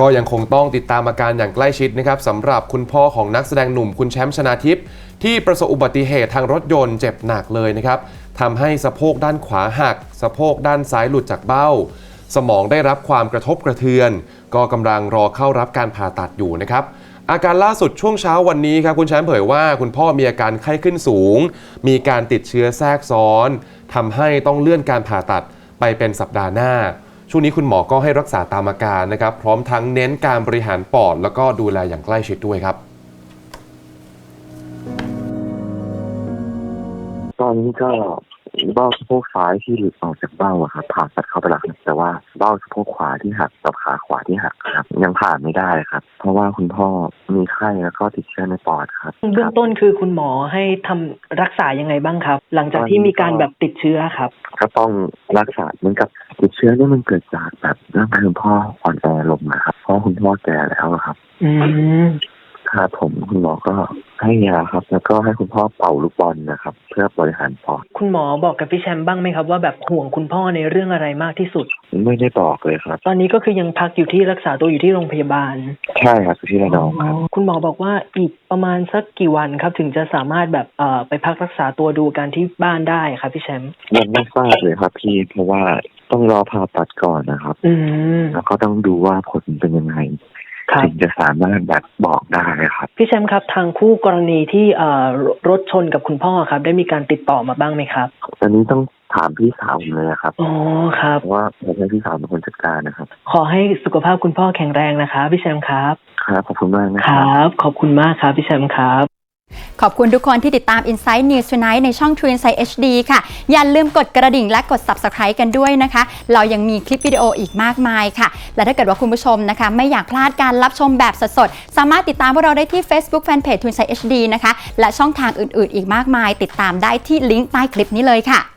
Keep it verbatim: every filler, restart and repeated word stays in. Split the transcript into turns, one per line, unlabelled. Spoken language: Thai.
ก็ยังคงต้องติดตามอาการอย่างใกล้ชิดนะครับสำหรับคุณพ่อของนักแสดงหนุ่มคุณแชมป์ชนาทิพย์ที่ประสบอุบัติเหตุทางรถยนต์เจ็บหนักเลยนะครับทำให้สะโพกด้านขวาหักสะโพกด้านซ้ายหลุดจากเบ้าสมองได้รับความกระทบกระเทือนก็กำลังรอเข้ารับการผ่าตัดอยู่นะครับอาการล่าสุดช่วงเช้าวันนี้ครับคุณแชมป์เผยว่าคุณพ่อมีอาการไข้ขึ้นสูงมีการติดเชื้อแทรกซ้อนทำให้ต้องเลื่อนการผ่าตัดไปเป็นสัปดาห์หน้าช่วงนี้คุณหมอก็ให้รักษาตามอาการนะครับพร้อมทั้งเน้นการบริหารปอดแล้วก็ดูแลอย่างใกล้ชิดด้วยครับ
ตอนนี้ก็เบ้าสะโพกซ้ายที่หลุดออกจากเบ้าอะครับผ่าตัดเข้าไปแล้วแต่ว่าเบ้าสะโพกขวาที่หักกับขาขวาที่หักครับยังผ่าไม่ได้ครับเพราะว่าคุณพ่อมีไข้แล้วก็ติดเชื้อในปอดครับ
เบื้องต้นคือคุณหมอให้ทำรักษายังไงบ้างครับหลังจากที่มีการแบบติดเชื้อครับ
ก็ต้องรักษาเหมือนกับติดเชื้อนี่มันเกิดจากแบบร่างกายคุณพ่ออ่อนแอลงนะครับเพราะคุณพ่อแก่แล้วครับ
อืม
ครับผมคุณหมอก็ให้ยาครับแล้วก็ให้คุณพ่อเป่าลูกบอลนะครับเพื่อบริหารปอด
คุณหมอบอกกับพี่แชมป์บ้างไหมครับว่าแบบห่วงคุณพ่อในเรื่องอะไรมากที่สุด
ไม่ได้บอกเลยครับ
ตอนนี้ก็คือยังพักอยู่ที่รักษาตัวอยู่ที่โรงพยาบาล
ใช่ครับอยู่ที่ระนองครับ
คุณหมอบอกว่าอีกประมาณสักกี่วันครับถึงจะสามารถแบบเอ่อไปพักรักษาตัวดูการที่บ้านได้ครับพี่แชมป์
ยังไม่ทราบเลยครับพี่เพราะว่าต้องรอผ่าตัดก่อนนะครับ
อืม
แล้วก็ต้องดูว่าผลเป็นยังไงถึงจะสามารถแบบบอกได้ครับ
พี่แชมป์ครับทางคู่กรณีที่เอ่อรถชนกับคุณพ่อครับได้มีการติดต่อมาบ้างไหมครับ
ตอนนี้ต้องถามพี่สาวผมเลยครับ
อ๋อครับ
เพราะว่าผมให้พี่สาวเป็นคนจัดการนะครับ
ขอให้สุขภาพคุณพ่อแข็งแรงนะคะพี่แชมป์ครับ
ครับขอบคุณมากนะ
ค
รั
บขอบคุณมากครับพี่แชมป์ครับ
ขอบคุณทุกคนที่ติดตาม Insight News Tonight ในช่อง True Insight เอช ดี ค่ะอย่าลืมกดกระดิ่งและกด Subscribe กันด้วยนะคะเรายังมีคลิปวิดีโออีกมากมายค่ะและถ้าเกิดว่าคุณผู้ชมนะคะไม่อยากพลาดการรับชมแบบสดๆสามารถติดตามพวกเราได้ที่ Facebook Fanpage True Insight เอช ดี นะคะและช่องทางอื่นๆอีกมากมายติดตามได้ที่ลิงก์ใต้คลิปนี้เลยค่ะ